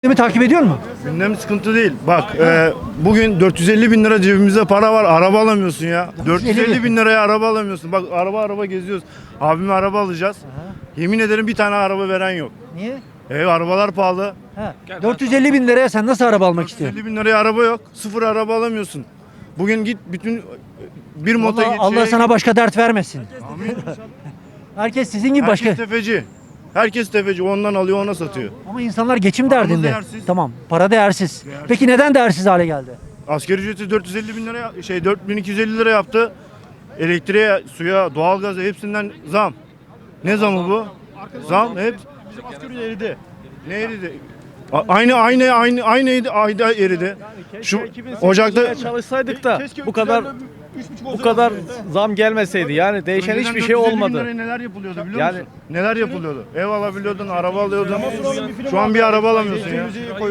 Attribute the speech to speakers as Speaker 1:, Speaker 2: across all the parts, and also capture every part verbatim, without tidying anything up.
Speaker 1: Gündemi takip ediyor mu?
Speaker 2: Gündem sıkıntı değil. Bak e, bugün dört yüz elli bin lira cebimizde para var. Araba alamıyorsun ya. dört yüz elli bin liraya araba alamıyorsun. Bak araba araba geziyoruz. Abime araba alacağız. Yemin ederim bir tane araba veren yok.
Speaker 1: Niye?
Speaker 2: E, arabalar pahalı.
Speaker 1: Ha. dört yüz elli bin liraya sen nasıl araba almak istiyorsun?
Speaker 2: elli bin liraya araba yok. Sıfır araba alamıyorsun. Bugün git bütün bir moto
Speaker 1: Allah,
Speaker 2: git.
Speaker 1: Allah
Speaker 2: şeye
Speaker 1: sana
Speaker 2: git.
Speaker 1: başka dert vermesin. Herkes sizin gibi
Speaker 2: Herkes
Speaker 1: başka.
Speaker 2: tefeci. Herkes tefeci. Ondan alıyor ona satıyor.
Speaker 1: Ama insanlar geçim
Speaker 2: Paramız
Speaker 1: derdinde.
Speaker 2: değersiz.
Speaker 1: Tamam, para değersiz. Peki neden değersiz hale geldi?
Speaker 2: Asgari ücreti dört yüz elli bin lira şey dört bin iki yüz elli lira yaptı. Elektriğe, suya, doğalgaza hepsinden zam. Ne zamı bu? Zam hep bizim asgari eridi. Ne eridi? A- Aynı aynı aynı aynı eridi, ayda eridi. Şu Ocak'ta
Speaker 3: çalışsaydık da bu kadar bu kadar zam gelmeseydi yani değişen
Speaker 2: önceden
Speaker 3: hiçbir şey
Speaker 2: dört yüz elli bin
Speaker 3: olmadı.
Speaker 2: liraya neler yapılıyordu biliyor
Speaker 3: Yani-
Speaker 2: musun? Neler yapılıyordu? Ev alabiliyordun, araba alıyordun. Şu an bir araba alamıyorsun ya.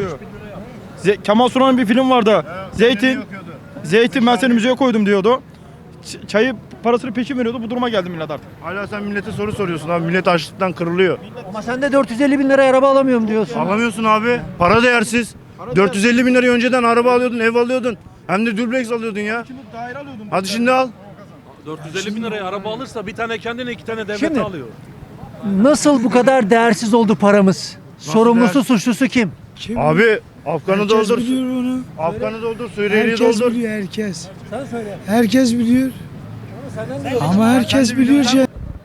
Speaker 4: Ze- Kemal Sunal'ın bir film vardı. Zeytin,
Speaker 2: Yakıyordu.
Speaker 4: Zeytin ben seni müzeye koydum diyordu. Ç- çayı parasını peşin veriyordu. Bu duruma geldi millet artık.
Speaker 2: Hala sen millete soru soruyorsun abi. Millet açlıktan kırılıyor.
Speaker 1: Ama sen de dört yüz elli bin liraya araba alamıyorum diyorsun.
Speaker 2: Alamıyorsun abi. Para değersiz. dört yüz elli bin liraya önceden araba alıyordun, ev alıyordun. Hem de dubleks alıyordun ya. Hadi şimdi al.
Speaker 5: dört yüz elli bin liraya araba alırsa bir tane kendine iki tane devlet
Speaker 1: Şimdi-
Speaker 5: alıyor.
Speaker 1: Nasıl bu kadar değersiz oldu paramız? Sorumlusu,
Speaker 2: değersiz?
Speaker 1: suçlusu kim?
Speaker 6: Kim?
Speaker 2: Abi Afgan'ı
Speaker 6: herkes
Speaker 2: doldur.
Speaker 6: biliyor onu.
Speaker 2: Afgan'ı doldur, Suriyeli'yi
Speaker 6: Herkes
Speaker 2: doldur.
Speaker 6: biliyor herkes.
Speaker 1: Sen söyle.
Speaker 6: Herkes biliyor. Ama herkes biliyor şey.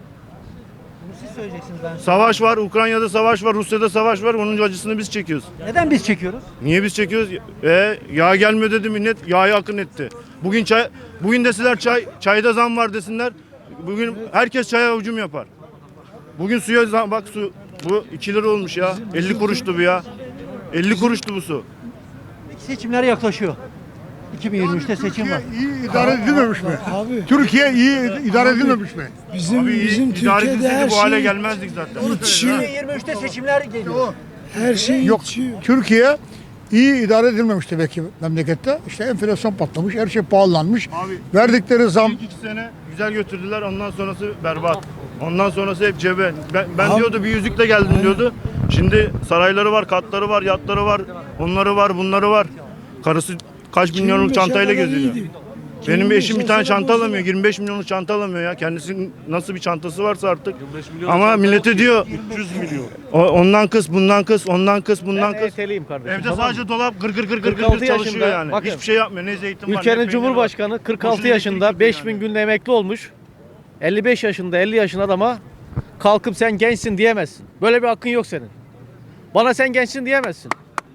Speaker 1: Siz söyleyeceksiniz ben.
Speaker 2: Savaş var, Ukrayna'da savaş var, Rusya'da savaş var. Onun acısını biz çekiyoruz.
Speaker 1: Neden biz çekiyoruz?
Speaker 2: Niye biz çekiyoruz? E, yağ gelmiyor dedi millet, yağı akın etti. Bugün çay, bugün deseler çay, çayda zam var desinler. Bugün herkes çaya hücum yapar. Bugün suya zam, bak su, bu iki lira olmuş ya. elli kuruştu bu ya. elli kuruştu bu su.
Speaker 1: Seçimler yaklaşıyor. iki bin yirmi üçte seçim var.
Speaker 7: İyi idare edilmemiş mi?
Speaker 6: Abi
Speaker 7: Türkiye iyi idare edilmemiş mi?
Speaker 6: bizim
Speaker 2: Abi
Speaker 6: bizim
Speaker 2: idare
Speaker 6: Türkiye'de
Speaker 2: edilseydi
Speaker 6: her
Speaker 2: bu hale
Speaker 6: şey
Speaker 2: gelmezdik zaten.
Speaker 6: yetişiyor.
Speaker 1: iki bin yirmi üçte seçimler geliyor.
Speaker 6: Her şey
Speaker 7: Yok.
Speaker 6: yetişiyor.
Speaker 7: Türkiye iyi idare edilmemiş demek ki memlekette. İşte enflasyon patlamış, her şey pahalanmış.
Speaker 2: Abi,
Speaker 7: Verdikleri zam
Speaker 2: İlk iki sene güzel götürdüler. Ondan sonrası berbat. Ondan sonrası hep cebe. Ben, ben
Speaker 6: Abi-
Speaker 2: diyordu bir yüzükle geldim diyordu. Şimdi sarayları var, katları var, yatları var. Onları var, bunları var. Karısı kaç milyonluk
Speaker 6: beşe
Speaker 2: çantayla
Speaker 6: kadar
Speaker 2: geziyor.
Speaker 6: iyiydi.
Speaker 2: Benim
Speaker 6: Kimin
Speaker 2: eşim bir tane
Speaker 6: beşe
Speaker 2: çanta
Speaker 6: kadar
Speaker 2: alamıyor. yirmi beş milyonluk çanta alamıyor ya. Kendisinin nasıl bir çantası varsa artık.
Speaker 5: milyon
Speaker 2: Ama
Speaker 5: çanta
Speaker 2: millete
Speaker 5: yok ki.
Speaker 2: diyor
Speaker 5: üç yüz milyon.
Speaker 2: o- ondan kıs, bundan kıs, ondan kıs, bundan
Speaker 3: Ben
Speaker 2: kıs.
Speaker 3: E T L'yim kardeşim.
Speaker 2: Evde
Speaker 3: tamam mı?
Speaker 2: sadece dolap gır gır gır gır gır
Speaker 3: kırk altı
Speaker 2: çalışıyor
Speaker 3: yaşında,
Speaker 2: yani.
Speaker 3: bakın,
Speaker 2: Hiçbir şey yapmıyor. Ne zeytin var, ne
Speaker 3: Ülkenin
Speaker 2: peynir
Speaker 3: Cumhurbaşkanı
Speaker 2: var.
Speaker 3: kırk altı
Speaker 2: Boşuna
Speaker 3: yaşında
Speaker 2: elektrik
Speaker 3: beş
Speaker 2: yani.
Speaker 3: bin günde emekli olmuş. elli beş yaşında elli yaşında adama kalkıp sen gençsin diyemezsin. Böyle bir hakkın yok senin. Bana sen gençsin diyemezsin.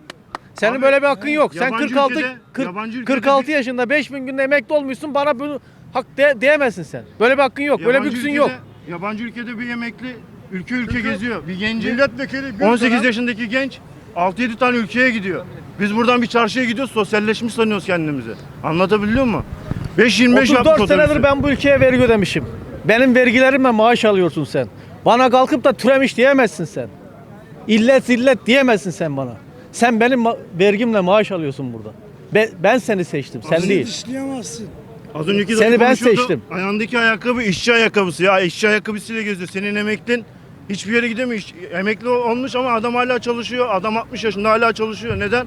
Speaker 3: Senin
Speaker 2: Abi,
Speaker 3: böyle bir hakkın yok. Sen
Speaker 2: yabancı
Speaker 3: kırk altı
Speaker 2: ülkede-
Speaker 3: kırk-
Speaker 2: yabancı ülkede
Speaker 3: kırk altı
Speaker 2: bir-
Speaker 3: yaşında beş bin günde emekli olmuşsun. Bana bunu hak de, diyemezsin sen. Böyle bir hakkın yok. Böyle bir
Speaker 2: Yabancı
Speaker 3: lüksün
Speaker 2: ülkede-
Speaker 3: yok.
Speaker 2: Yabancı ülkede bir emekli ülke ülke geziyor. Bir genci
Speaker 7: milletvekili bir
Speaker 2: on sekiz
Speaker 7: dönem-
Speaker 2: yaşındaki genç altı yedi tane ülkeye gidiyor. Biz buradan bir çarşıya gidiyoruz, sosyalleşmiş sanıyoruz kendimizi. Anlatabiliyor muyum? beş yirmi beş
Speaker 3: otuz
Speaker 2: yapmış
Speaker 3: dört senedir
Speaker 2: otobüsü.
Speaker 3: ben bu ülkeye vergi ödemişim. Benim vergilerimle maaş alıyorsun sen. Bana kalkıp da türemiş diyemezsin sen. İllet zillet diyemezsin sen bana. Sen benim ma- vergimle maaş alıyorsun burada. Ben, ben seni seçtim, sen değil.
Speaker 6: Yetiştiremezsin.
Speaker 2: Az önceki
Speaker 3: Seni
Speaker 2: dayı
Speaker 3: ben
Speaker 2: konuşuyordu.
Speaker 3: seçtim.
Speaker 2: Ayağındaki ayakkabı işçi ayakkabısı ya. İşçi ayakkabısıyla geziyor. Senin emeklin hiçbir yere gidemiyor. İş- Emekli olmuş ama adam hala çalışıyor. Adam altmış yaşında hala çalışıyor. Neden?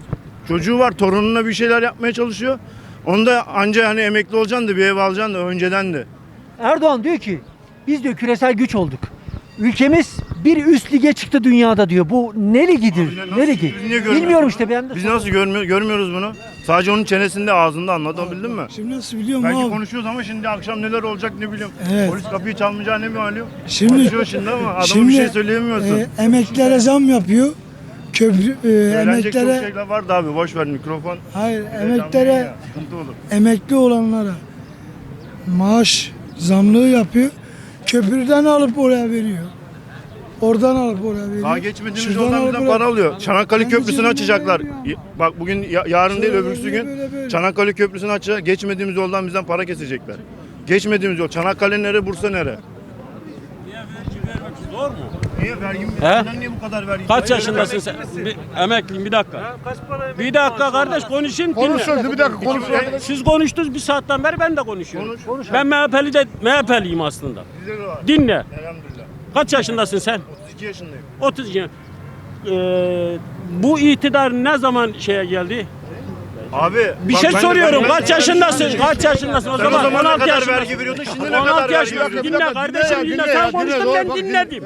Speaker 2: Çocuğu var, torununa bir şeyler yapmaya çalışıyor. Onda anca hani emekli olacaksın da bir ev alacaksın da önceden de.
Speaker 1: Erdoğan diyor ki biz diyor küresel güç olduk. Ülkemiz bir üst lige çıktı dünyada diyor. Bu ne ligidir?
Speaker 2: Abi nasıl-
Speaker 1: Ne ligi?
Speaker 2: biz niye görmüyoruz
Speaker 1: Bilmiyorum
Speaker 2: bunu?
Speaker 1: işte ben de.
Speaker 2: Biz nasıl görmüyor, görmüyoruz bunu? Sadece onun çenesinde, ağzında, anlatabildin mi?
Speaker 6: Şimdi nasıl biliyorum
Speaker 2: Belki
Speaker 6: abi?
Speaker 2: konuşuyoruz ama şimdi akşam neler olacak ne bileyim.
Speaker 6: Evet.
Speaker 2: Polis kapıyı çalmayacağı ne malum.
Speaker 6: Şimdi-
Speaker 2: Konuşuyor şimdi ama adama
Speaker 6: Şimdi
Speaker 2: bir şey söyleyemiyorsun.
Speaker 6: e, emeklilere zam yapıyor. Köprü e,
Speaker 2: Söylenecek çok
Speaker 6: emeklilere
Speaker 2: şeyler vardı abi. Boş ver mikrofon.
Speaker 6: hayır
Speaker 2: Heyecanlıyım
Speaker 6: emeklilere
Speaker 2: ya, sıkıntı olur.
Speaker 6: emekli olanlara maaş zamlığı yapıyor. Köprüden alıp oraya veriyor. Oradan alıp oraya veriyor.
Speaker 2: Daha geçmediğimiz
Speaker 6: Şuradan
Speaker 2: yoldan
Speaker 6: alıp
Speaker 2: bizden
Speaker 6: oraya-
Speaker 2: para alıyor. Çanakkale
Speaker 6: Kendi
Speaker 2: Köprüsü'nü
Speaker 6: cebinden
Speaker 2: açacaklar.
Speaker 6: veriyor.
Speaker 2: Y- Bak bugün ya- yarın değil
Speaker 6: Sonra
Speaker 2: öbürsü
Speaker 6: böyle,
Speaker 2: gün
Speaker 6: böyle, böyle.
Speaker 2: Çanakkale Köprüsü'nü açacak. Geçmediğimiz yoldan bizden para kesecekler. Geçmediğimiz yol. Çanakkale nere, Bursa nere?
Speaker 5: Zor mu?
Speaker 2: Niye vergi?
Speaker 5: He?
Speaker 2: Neden niye bu kadar vergi?
Speaker 5: Kaç yaşındasın sen? Bir, emekliyim bir dakika. Bir dakika kardeş konuşayım dinle.
Speaker 7: konuşuyoruz bir dakika konuşuyoruz.
Speaker 5: Siz konuştunuz bir saatten beri ben de konuşuyorum.
Speaker 2: Konuş.
Speaker 5: Ben M H P'li de M H P'liyim aslında.
Speaker 2: Bize de var.
Speaker 5: Dinle.
Speaker 2: Elhamdülillah.
Speaker 5: Kaç yaşındasın sen?
Speaker 2: otuz iki yaşındayım.
Speaker 5: otuz yaşında. e, bu iktidar ne zaman şeye geldi?
Speaker 2: Abi
Speaker 5: Bir
Speaker 2: bak
Speaker 5: şey
Speaker 2: ben de-
Speaker 5: soruyorum.
Speaker 2: ben de-
Speaker 5: Kaç yaşındasın? Kaç yaşındasın o
Speaker 2: Sen o
Speaker 5: zaman?
Speaker 2: zaman ne
Speaker 5: on altı
Speaker 2: kadar
Speaker 5: yaşındasın.
Speaker 2: vergi veriyordun, şimdi ne
Speaker 5: on altı
Speaker 2: kadar vergi
Speaker 5: yaşındasın.
Speaker 2: veriyorsun?
Speaker 5: Dinle kardeşim, dinle. Sen konuştun, ben dinledim.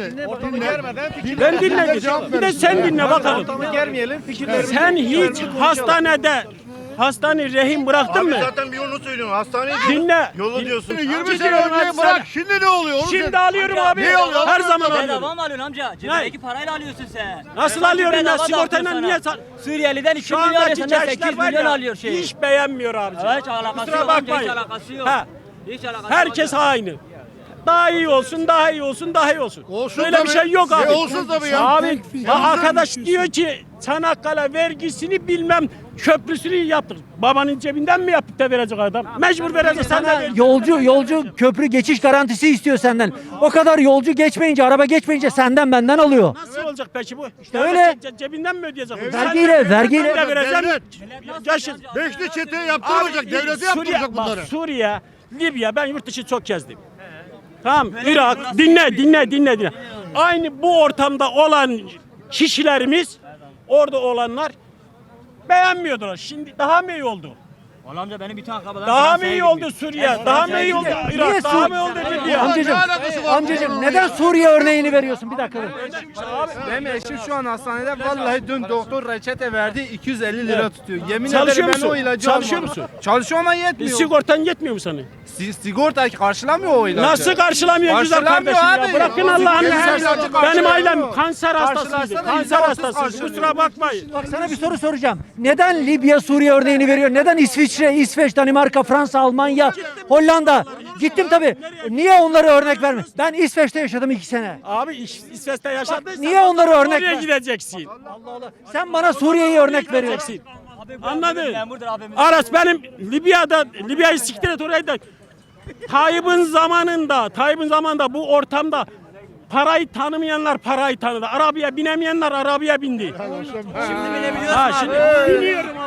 Speaker 5: Ben dinledim. Bir de sen dinle bakalım.
Speaker 3: Ortamı germeyelim, fikirlerimizi
Speaker 5: Sen hiç hastanede hastane rehin bıraktın
Speaker 2: Abi
Speaker 5: mı?
Speaker 2: zaten bir yolu söylüyorsun. Hastaneye
Speaker 5: Dinle.
Speaker 2: Yolu diyorsun.
Speaker 7: yirmi sene önce bırak şimdi ne oluyor? Onu
Speaker 5: Şimdi alıyorum abi.
Speaker 7: Ne oluyor?
Speaker 5: Her zaman
Speaker 8: Bedava
Speaker 5: alıyorum.
Speaker 8: mı alıyorsun amca? Cebindeki parayla alıyorsun sen.
Speaker 5: Nasıl
Speaker 8: Sanki
Speaker 5: alıyorum ya?
Speaker 8: bedava
Speaker 5: Sigortayla
Speaker 8: dağıtıyor
Speaker 5: niye
Speaker 8: sana.
Speaker 5: sa-
Speaker 8: Suriyeli'den iki
Speaker 5: Şu
Speaker 8: milyon
Speaker 5: andaki
Speaker 8: alıyor, senden
Speaker 5: gençler
Speaker 8: sekiz
Speaker 5: var
Speaker 8: milyon
Speaker 5: ya,
Speaker 8: alıyor şey.
Speaker 5: hiç beğenmiyor abi.
Speaker 8: Hiç alakası
Speaker 5: Kusura
Speaker 8: yok amca, hiç
Speaker 5: bakmayın.
Speaker 8: alakası yok.
Speaker 5: Ha.
Speaker 8: Hiç alakası
Speaker 5: Herkes
Speaker 8: yok.
Speaker 5: aynı. Daha iyi olsun, daha iyi olsun, daha iyi olsun.
Speaker 7: Olsun
Speaker 5: Böyle bir
Speaker 7: tabii.
Speaker 5: şey yok abi.
Speaker 7: E olsun tabii ya.
Speaker 5: Abi
Speaker 6: Tek-
Speaker 5: ya arkadaş diyor ki Çanakkale vergisini bilmem köprüsünü yaptık. Babanın cebinden mi yapıp da verecek adam? Mecbur verecek, sen de
Speaker 1: Sana
Speaker 5: ver.
Speaker 1: yolcu yolcu köprü geçiş garantisi istiyor senden. O kadar yolcu geçmeyince, araba geçmeyince senden benden alıyor.
Speaker 5: Nasıl olacak peki bu? İşte
Speaker 1: öyle.
Speaker 5: cebinden mi ödeyecek? bu?
Speaker 1: Vergiyle,
Speaker 5: Sen-
Speaker 1: vergiyle.
Speaker 5: Ben de vereceğim.
Speaker 7: Devlet.
Speaker 5: Yaşın.
Speaker 7: Beşli çete yaptırmayacak.
Speaker 5: Abi,
Speaker 7: Devleti
Speaker 5: Suriye,
Speaker 7: yaptıracak
Speaker 5: bak,
Speaker 7: bunları.
Speaker 5: Suriye, Libya, ben yurt dışı çok gezdim. Tamam, Irak, dinle, dinle, dinle, dinle. Aynı bu ortamda olan kişilerimiz, orada olanlar beğenmiyordular. Şimdi daha mı iyi oldu?
Speaker 8: Vallahi amca benim bütün akrabalarım
Speaker 5: Daha mı
Speaker 8: Fransa'ya
Speaker 5: iyi
Speaker 8: gitmiş.
Speaker 5: oldu Suriye? Daha mı iyi oldu
Speaker 1: Niye
Speaker 5: Irak? Daha
Speaker 1: Sur-
Speaker 5: mı iyi oldu Libya?
Speaker 1: Amcacım,
Speaker 7: alakası var
Speaker 1: amcacım
Speaker 7: bunun
Speaker 1: neden
Speaker 7: ya?
Speaker 1: Suriye örneğini veriyorsun? Bir dakika dur.
Speaker 9: Benim eşim şu an hastanede vallahi dün doktor reçete verdi iki yüz elli lira tutuyor. Yemin
Speaker 5: Çalışıyor
Speaker 9: ederim ben
Speaker 5: musun?
Speaker 9: o ilacı
Speaker 5: Çalışıyor
Speaker 9: almadım.
Speaker 5: musun?
Speaker 9: Çalışıyor ama
Speaker 5: E,
Speaker 9: yetmiyor.
Speaker 5: Sigortan yetmiyor mu sana?
Speaker 9: Si- sigorta karşılamıyor o ilacı.
Speaker 5: Nasıl karşılamıyor güzel
Speaker 9: Karşılamıyor
Speaker 5: kardeşim ya?
Speaker 9: abi.
Speaker 5: Bırakın
Speaker 9: Ya,
Speaker 5: Allah'ın
Speaker 9: güzel
Speaker 5: seversen.
Speaker 9: ilacı
Speaker 5: Benim
Speaker 9: karşılamıyor.
Speaker 5: ailem kanser hastasıydı.
Speaker 9: Karşılarsana
Speaker 5: Kanser
Speaker 9: yüzde otuz
Speaker 5: hastasıydı.
Speaker 9: karşılıyor.
Speaker 5: Kusura bakmayın.
Speaker 1: Bak sana bir soru soracağım. Neden Libya, Suriye örneğini veriyor? Neden İsviçre, İsveç, Danimarka, Fransa, Almanya, Hollanda? Gittim tabii. Niye onları örnek verme? Ben İsveç'te yaşadım iki sene.
Speaker 5: Abi İs- İsveç'te yaşadıysan
Speaker 1: niye onları örnek
Speaker 5: Suriye'ye
Speaker 1: ver-
Speaker 5: gideceksin.
Speaker 1: Sen bana Suriye'yi örnek veriyorsun.
Speaker 5: Gideceksin. Anladın?
Speaker 8: Memurdur abimiz.
Speaker 5: Aras benim Libya'da, Libya'yı siktir et orayı da Tayyip'in zamanında, Tayyip'in zamanında bu ortamda parayı tanımayanlar parayı tanıdı. Arabaya binemeyenler arabaya bindi.
Speaker 8: Şimdi binebiliyorsun
Speaker 5: Ha
Speaker 8: abi.
Speaker 5: şimdi biniyorum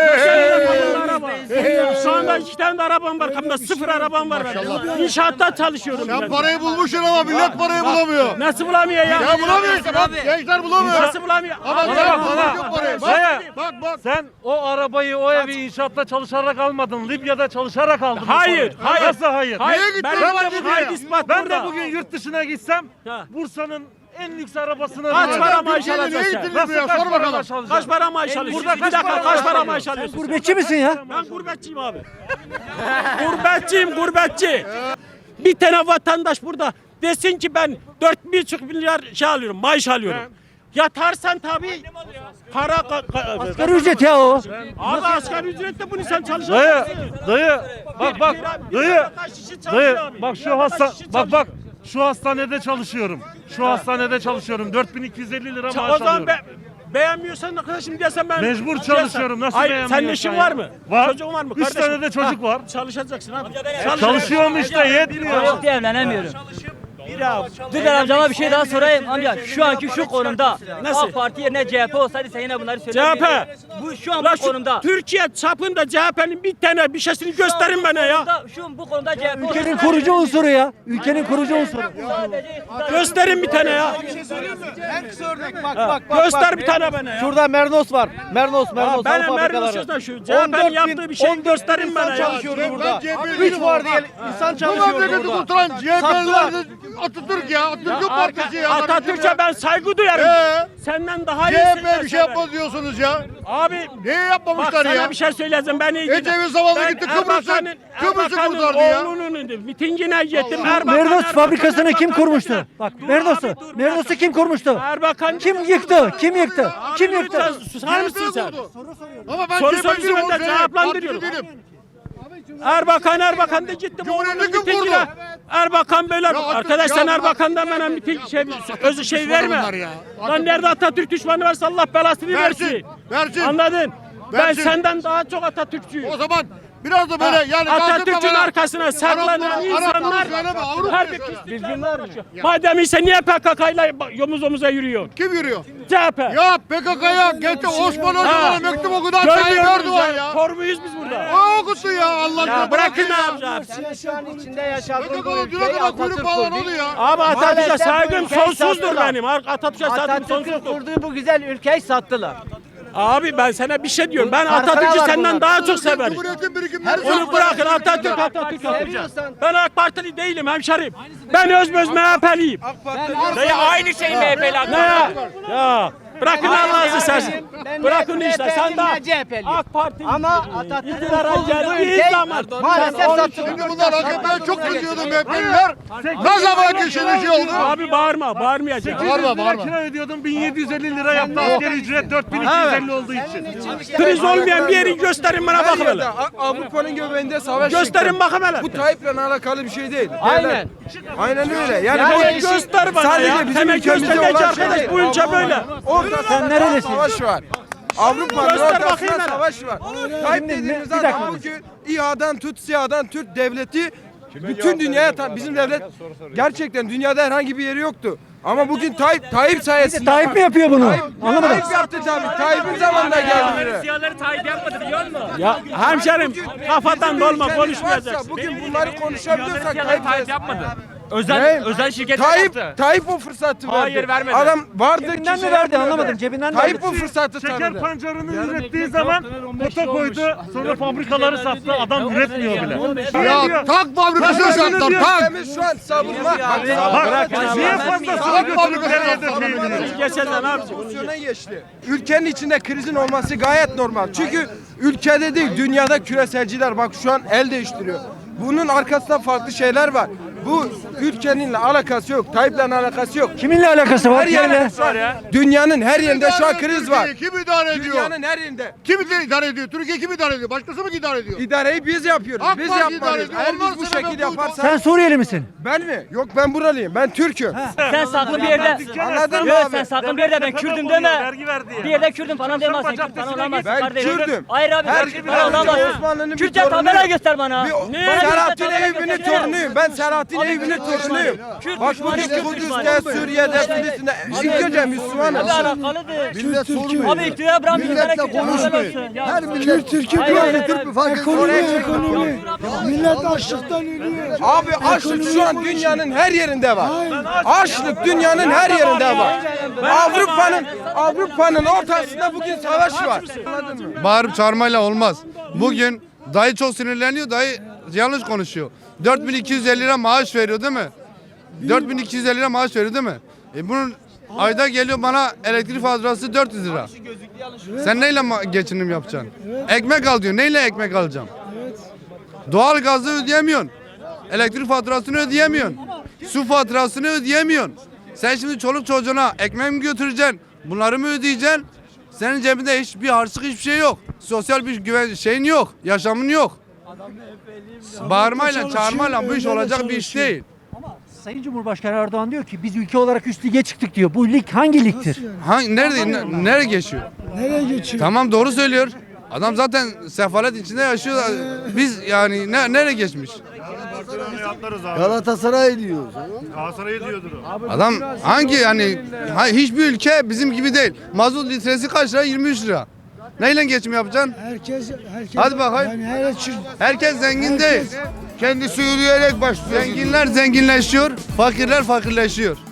Speaker 5: Allah. Şu anda iki tane de arabam var. Kapımda sıfır arabam var. benim. İnşaatta çalışıyorum.
Speaker 7: Sen
Speaker 5: ben.
Speaker 7: parayı bulmuşsun ama millet parayı bulamıyor.
Speaker 5: Nasıl bulamıyor ya?
Speaker 7: Ya bulamıyor işte bak gençler bulamıyor.
Speaker 5: Nasıl bulamıyor?
Speaker 7: Ama
Speaker 5: Abi,
Speaker 7: sen
Speaker 5: bak,
Speaker 7: bulamıyorsun
Speaker 5: bak.
Speaker 7: parayı.
Speaker 5: Dayı,
Speaker 7: Bak bak bak.
Speaker 10: Sen o arabayı, o evi inşaatta çalışarak almadın. Libya'da çalışarak aldın. bu
Speaker 5: Hayır,
Speaker 10: parayı.
Speaker 5: hayır.
Speaker 10: Nasıl hayır?
Speaker 5: Hayır,
Speaker 7: Niye gittin?
Speaker 5: benim
Speaker 7: Ben
Speaker 5: de
Speaker 7: de
Speaker 5: bu hayır ispat
Speaker 10: Ben
Speaker 5: burada.
Speaker 10: de bugün yurt dışına gitsem
Speaker 5: Ha.
Speaker 10: Bursa'nın en lüks arabasını
Speaker 5: Kaç
Speaker 10: alırım.
Speaker 5: para maaş
Speaker 7: Türkiye'de
Speaker 5: alacaksın?
Speaker 7: ne gittin
Speaker 10: Nasıl
Speaker 7: Libya?
Speaker 10: kaç
Speaker 7: Sor
Speaker 10: para
Speaker 7: bakalım.
Speaker 10: maaş alacaksın?
Speaker 5: Kaç para maaş alıyorsun?
Speaker 10: Burada
Speaker 5: Bir
Speaker 10: kaç
Speaker 5: dakika
Speaker 10: para
Speaker 5: kaç para
Speaker 10: maaş
Speaker 5: maaş alıyorsun?
Speaker 1: Gurbetçi misin ya?
Speaker 5: Ben gurbetçiyim abi. Gurbetçiyim gurbetçi. Bir tane vatandaş burada desin ki ben dört buçuk milyar şey alıyorum, maaş alıyorum. Yatarsan tabii para ka- ka-
Speaker 1: Asgari ücret ya o.
Speaker 5: Abi asgari ücretle bunu sen
Speaker 10: Dayı,
Speaker 5: çalışacaksın.
Speaker 10: dayı, bak bak,
Speaker 5: Bir- bir
Speaker 10: dayı,
Speaker 5: vatandaş işi çalışıyor
Speaker 10: dayı,
Speaker 5: abi.
Speaker 10: bak
Speaker 5: Bir
Speaker 10: şu
Speaker 5: vatandaş
Speaker 10: hasta,
Speaker 5: işi
Speaker 10: bak bak,
Speaker 5: çalışıyor.
Speaker 10: şu hastanede çalışıyorum. Şu hastanede çalışıyorum. dört bin iki yüz elli lira
Speaker 5: Ça-
Speaker 10: maaş
Speaker 5: O zaman
Speaker 10: alıyorum.
Speaker 5: be, beğenmiyorsan arkadaşım diyesen ben
Speaker 10: Mecbur
Speaker 5: diyesen-
Speaker 10: çalışıyorum. Nasıl
Speaker 5: Hayır,
Speaker 10: beğenmiyorsun
Speaker 5: senin işin
Speaker 10: ya?
Speaker 5: var mı?
Speaker 10: Var.
Speaker 5: Çocuğun var mı?
Speaker 10: Üç
Speaker 5: kardeşim?
Speaker 10: tane de çocuk
Speaker 5: Ha,
Speaker 10: var.
Speaker 5: Çalışacaksın abi.
Speaker 10: Çalışıyorum işte yetmiyor.
Speaker 8: Yok diye evlenemiyorum.
Speaker 5: Ya,
Speaker 8: Dur ben amcama bir şey daha sorayım amca. Şu anki şu konumda
Speaker 5: Nasıl?
Speaker 8: AK Parti yerine C H P olsaydı sen yine bunları
Speaker 5: C H
Speaker 8: söyler
Speaker 5: P.
Speaker 8: miydin? Bu şu an
Speaker 5: La
Speaker 8: bu
Speaker 5: şu
Speaker 8: konumda.
Speaker 5: Türkiye çapında C H P'nin bir tane bir şeysini
Speaker 8: Şu an
Speaker 5: gösterin
Speaker 8: bu
Speaker 5: bana ya.
Speaker 8: konuda- Şu bu konuda C H P
Speaker 1: Ülkenin
Speaker 8: olsaydı-
Speaker 1: kurucu unsuru ya. Ülkenin kurucu unsuru.
Speaker 8: Sadece iktidar-
Speaker 5: Gösterin bir tane ya.
Speaker 3: En kısa örnek bak bak bak.
Speaker 5: Göster bir tane bana ya.
Speaker 3: Şurada Mernos var. Mernos, Mernos.
Speaker 5: Aa, benim
Speaker 3: hal
Speaker 5: Mernos
Speaker 3: fabrikaları.
Speaker 5: yazan şu. C H P'nin yaptığı bir şey
Speaker 3: on dört bin
Speaker 5: gösterin bana
Speaker 3: insan
Speaker 5: ya.
Speaker 3: çalışıyordu
Speaker 7: Ben
Speaker 3: burada.
Speaker 7: C H P'liyim
Speaker 3: Üç var
Speaker 7: ama
Speaker 3: diye
Speaker 7: bak.
Speaker 3: insan
Speaker 7: Bu
Speaker 3: çalışıyordu
Speaker 7: memleketi
Speaker 3: burada.
Speaker 7: kurtaran C H
Speaker 3: Sattılar.
Speaker 7: P'liler Atatürk ya. Atatürk'ün
Speaker 5: Arka-
Speaker 7: partisi ya.
Speaker 5: Atatürk'e ben saygı duyarım.
Speaker 7: Ee?
Speaker 5: Senden daha
Speaker 7: C
Speaker 5: iyisin.
Speaker 7: H P
Speaker 5: ben
Speaker 7: bir şey
Speaker 5: sana.
Speaker 7: yapmaz diyorsunuz ya.
Speaker 5: Abi
Speaker 7: Niye
Speaker 5: bak
Speaker 7: yapmamışlar
Speaker 5: sana
Speaker 7: ya?
Speaker 5: bir şey söyleyeceğim. Ben iyi
Speaker 7: Ecevit zamanında gitti Kıbrıs'ı- Kıbrıs'ı kurtardı ya.
Speaker 5: oğlunun mitingine gittim. Erbakan,
Speaker 1: Mernos
Speaker 5: Erbakan,
Speaker 1: fabrikasını
Speaker 5: Erbakan
Speaker 1: kim
Speaker 5: dedi.
Speaker 1: kurmuştu? Bak
Speaker 5: Dur
Speaker 1: Mernos'u.
Speaker 5: abi, dur,
Speaker 1: Mernos'u kim kurmuştu?
Speaker 5: Erbakan
Speaker 1: Kim yıktı? Kim yıktı? Kim yıktı?
Speaker 5: Lütfen susar mısın sen?
Speaker 7: Ama ben
Speaker 5: Soru
Speaker 7: C H P'liyim.
Speaker 5: sorusu ben de cevaplandırıyorum. Erbakan Erbakan da gittim oğlunun
Speaker 7: Cumhuriyeti kim
Speaker 5: mitingine.
Speaker 7: kurdu?
Speaker 5: Erbakan böyle
Speaker 7: Ya Atatürk-
Speaker 5: arkadaş sen
Speaker 7: ya bırak-
Speaker 5: Erbakan'dan bana miting şey, özü şey
Speaker 7: düşmanı
Speaker 5: verme.
Speaker 7: bunlar ya.
Speaker 5: Lan nerede Atatürk düşmanı varsa Allah belasını
Speaker 7: Versin,
Speaker 5: versin.
Speaker 7: versin.
Speaker 5: Anladın? Ben
Speaker 7: Versin.
Speaker 5: senden daha çok Atatürkçüyüm.
Speaker 7: O zaman Biraz da böyle yani
Speaker 5: Atatürk'ün arkasına saklanan insanlar her bir bilgin var mı? Madem ise niye P K K ile omuz omuza yürüyor?
Speaker 7: Kim yürüyor?
Speaker 5: C H P.
Speaker 7: Ya P K K'ya geçti Osman
Speaker 5: Ha.
Speaker 7: Hoca'ya mektup okudan Tayyip
Speaker 5: Görmüyor
Speaker 7: Erdoğan
Speaker 5: muyuz
Speaker 7: ya.
Speaker 5: ya? Kor muyuz biz burada?
Speaker 7: O okuttu ya Allah
Speaker 5: Ya
Speaker 7: aşkına.
Speaker 5: bırakın ne yapacağız?
Speaker 9: Şu an içinde
Speaker 7: P K
Speaker 9: yaşadığım bu
Speaker 7: K'nın
Speaker 9: ülkeyi
Speaker 7: düne kadar
Speaker 9: Atatürk
Speaker 7: kuyruk bağlan
Speaker 9: kurdu.
Speaker 7: oldu ya.
Speaker 5: Abi Atatürk'e
Speaker 9: Maalesef bu
Speaker 5: saygım
Speaker 9: ülkeyi
Speaker 5: sonsuzdur
Speaker 9: sattılar.
Speaker 5: benim. Atatürk'e saygım
Speaker 9: Atatürk'ün
Speaker 5: sonsuzdur.
Speaker 9: kurduğu bu güzel ülkeyi sattılar.
Speaker 5: Abi ben sana bir şey diyorum. Ben
Speaker 9: Kartlara
Speaker 5: Atatürk'ü
Speaker 9: var
Speaker 5: senden
Speaker 9: bunlar.
Speaker 5: daha çok severim.
Speaker 7: Cumhuriyetin birikimleri
Speaker 5: Onu bırakın Atatürk Atatürk yapacak.
Speaker 9: Seviyorsan-
Speaker 5: Ben AK Partili değilim hemşerim. Ben özböz M H P'liyim.
Speaker 8: Dayı aynı şey M H P'li.
Speaker 5: Ne ya? Ya bırakın Allah'ınızı seversen.
Speaker 9: Ben
Speaker 5: Bırakın
Speaker 9: ne
Speaker 5: işte sen de
Speaker 9: M H P'liyim, ne C H P'liyim.
Speaker 5: AK Parti
Speaker 9: Ama Atatürk'ün
Speaker 5: iktidara
Speaker 9: kurduğu bu
Speaker 5: geldiği
Speaker 9: ülkeyi
Speaker 5: zaman
Speaker 9: maalesef sattılar.
Speaker 7: Şimdi bunlar A K P'ye çok kızıyordu M H P'liler. Ne zaman ki şimdi şey oldu?
Speaker 5: abi bağırma bağırmayacak.
Speaker 7: Bağırma bağırma.
Speaker 10: Kira ödüyordum bin yedi yüz elli lira yaptı asgari ücret dört bin iki yüz elli olduğu için.
Speaker 5: Kriz olmayan bir yeri gösterin bana bakın hele.
Speaker 11: Avrupa'nın göbeğinde savaş
Speaker 5: Gösterin bakın hele.
Speaker 11: Bu Tayyip'le alakalı bir şey değil.
Speaker 9: Aynen.
Speaker 11: Aynen öyle. Yani,
Speaker 9: Yani
Speaker 11: bu
Speaker 5: Göster bana
Speaker 11: sadece
Speaker 5: ya.
Speaker 11: bizim
Speaker 5: Hemen
Speaker 11: ülkemizde
Speaker 5: göster de ki
Speaker 11: olan şey
Speaker 5: arkadaş
Speaker 11: değil.
Speaker 5: bu ülke böyle.
Speaker 11: orada
Speaker 1: Sen nerelisin?
Speaker 11: savaş var. Avrupa'nın
Speaker 5: Göster bakayım
Speaker 11: ortasında
Speaker 5: hele.
Speaker 11: savaş var. Tayyip
Speaker 1: Şimdi
Speaker 11: dediğimiz
Speaker 1: bir dakika.
Speaker 11: adam bugün İHA'dan tut SİHA'dan Türk devleti bütün dünyaya ta- bizim devlet gerçekten dünyada herhangi bir yeri yoktu. Ama bugün Tayyip Tayyip sayesinde
Speaker 1: Tayyip mi yapıyor bunu? Anlamadım.
Speaker 11: Tayyip yaptı tabii. Tayyip'in zamanında geldi buraya.
Speaker 8: Siyahları Tayyip yapmadı biliyor musun?
Speaker 5: Ya hemşerim kafadan dolma
Speaker 11: Ülkemiz
Speaker 5: konuşmayacaksın.
Speaker 11: varsa, Bugün bunları konuşabiliyorsak
Speaker 8: Siyahları
Speaker 11: Tayyip
Speaker 8: Tayyip
Speaker 11: sayesinde.
Speaker 8: yapmadı. Özel
Speaker 11: Ne?
Speaker 8: özel şirketler
Speaker 11: Tayyip,
Speaker 8: yaptı.
Speaker 11: Tayyip o fırsatı verdi.
Speaker 8: Hayır, vermedi.
Speaker 11: Adam vardı
Speaker 1: Cebinden
Speaker 11: kişi
Speaker 1: mi verdi
Speaker 11: yapmıyordu.
Speaker 1: anlamadım. Cebinden mi
Speaker 11: Tayyip
Speaker 1: verdi?
Speaker 11: o fırsatı
Speaker 10: Şeker
Speaker 11: tanıdı.
Speaker 10: pancarını ürettiği zaman kota koydu. Sonra fabrikaları sattı. Adam üretmiyor bile.
Speaker 7: Ya tak fabrikasını sattılar tak.
Speaker 11: Ülkemiz şu an savunma. Bak,
Speaker 10: Bak
Speaker 11: savunma-
Speaker 10: niye fazlasını götürüp nereye dökmeyi
Speaker 5: Geçen ne yapacak?
Speaker 11: Pozisyona geçti. Ülkenin içinde krizin olması gayet normal. Çünkü ülkede değil, dünyada küreselciler bak şu an el değiştiriyor. Bunun arkasında farklı şeyler var. Bu ülkeninle alakası yok. Tayyip'le alakası yok.
Speaker 1: Kiminle alakası var?
Speaker 11: Her yerde
Speaker 1: Söyle.
Speaker 11: şu an, dünyanın her yerinde şu an kriz var.
Speaker 7: Kim idare ediyor?
Speaker 11: Dünyanın her yerinde.
Speaker 7: Kim idare ediyor? Türkiye kim idare ediyor? Başkası mı idare ediyor?
Speaker 11: İdareyi biz yapıyoruz.
Speaker 7: AK
Speaker 11: Biz
Speaker 7: Parti idare
Speaker 11: yapmalıyız.
Speaker 7: ediyor.
Speaker 11: Eğer
Speaker 7: Ondan
Speaker 11: biz bu
Speaker 7: sonra
Speaker 11: şekilde
Speaker 7: ben bu-
Speaker 11: yaparsak...
Speaker 1: Sen Suriyeli misin?
Speaker 11: Ben mi? Yok ben buralıyım. Ben Türk'üm.
Speaker 8: Sen saklı bir yerde.
Speaker 11: Anladın mı
Speaker 8: Yok
Speaker 11: abi?
Speaker 8: sen saklı bir yerde ben Kürdüm deme.
Speaker 10: Vergi verdi ya.
Speaker 8: Bir yerde Kürdüm falan demezsin. Kürt falan olamazsın
Speaker 11: Ben
Speaker 8: kardeşim.
Speaker 11: Kürdüm.
Speaker 8: Hayır abi
Speaker 11: Her-
Speaker 8: ben Kürt
Speaker 11: ben
Speaker 8: falan olamazsın.
Speaker 11: Osmanlı'nın bir
Speaker 8: Kürtçe
Speaker 11: torunuyum.
Speaker 8: tabela göster bana.
Speaker 11: Bir-
Speaker 8: Ne?
Speaker 11: Selahattin
Speaker 8: Tabela
Speaker 11: Eyyubi'nin
Speaker 8: göster.
Speaker 11: torunuyum. Ben Selahattin
Speaker 8: Abi
Speaker 11: Eyyubi'nin
Speaker 8: Kürt düşmanı.
Speaker 11: torunuyum.
Speaker 8: Kürt
Speaker 11: Bak
Speaker 8: düşmanı,
Speaker 11: bugün
Speaker 8: Kürt
Speaker 11: Kudüs'te,
Speaker 8: düşmanı.
Speaker 11: Suriye'de, Filistin'de ilk önce Müslümanız.
Speaker 8: Abi alakalıdır.
Speaker 7: Millet sormuyor.
Speaker 8: Abi iktidar bırakmıyor.
Speaker 7: Milletle
Speaker 8: Kürtçe tabela
Speaker 7: konuşmayın.
Speaker 8: olsun. Ya.
Speaker 7: Her millet
Speaker 6: Türkiye
Speaker 8: Hayır, hayır,
Speaker 6: böyle
Speaker 8: hayır.
Speaker 6: Türk fark ekonomi ekonomi. Millet açlıktan ölüyor.
Speaker 11: Abi açlık şu an dünyanın her yerinde var. Açlık dünyanın her yerinde var. Avrupa'nın Avrupa'nın ortasında bugün savaş var. Anladın mı?
Speaker 2: Bağırıp çağırmayla olmaz. Bugün dayı çok sinirleniyor, dayı yanlış konuşuyor. dört bin iki yüz elli lira maaş veriyor değil mi? dört bin iki yüz elli lira maaş veriyor değil mi? E bunun ayda geliyor bana elektrik faturası dört yüz lira. Sen neyle ma- geçinim yapacaksın? Ekmek al diyor. Neyle ekmek alacağım? Doğal gazı ödeyemiyorsun. Elektrik faturasını ödeyemiyorsun. Su faturasını ödeyemiyorsun. Sen şimdi çoluk çocuğuna ekmek mi götüreceksin? Bunları mı ödeyeceksin? Senin cebinde hiçbir harçlık hiçbir şey yok. Sosyal bir güven şeyin yok. Yaşamın yok. Bağırmayla çağırmayla bu iş olacak bir iş değil.
Speaker 1: Sayın Cumhurbaşkanı Erdoğan diyor ki biz ülke olarak üst lige çıktık diyor. Bu lig hangi ligdir?
Speaker 2: Hangi, nerede, ne- nereye geçiyor?
Speaker 6: Nereye geçiyor?
Speaker 2: Tamam doğru söylüyor. Adam zaten sefalet içinde yaşıyor. Biz yani ne, nereye geçmiş?
Speaker 7: Galatasaray diyor.
Speaker 2: Galatasaray diyordur o. Adam hangi yani ha- hiçbir ülke bizim gibi değil. Mazot litresi kaç lira? yirmi üç lira. Neyle geçim yapacaksın?
Speaker 6: Herkes, herkes.
Speaker 2: Hadi bakayım.
Speaker 6: Yani herkes,
Speaker 2: Herkes zengin değil.
Speaker 7: Kendisi yürüyerek başlıyor.
Speaker 2: Zenginler zenginleşiyor, fakirler fakirleşiyor.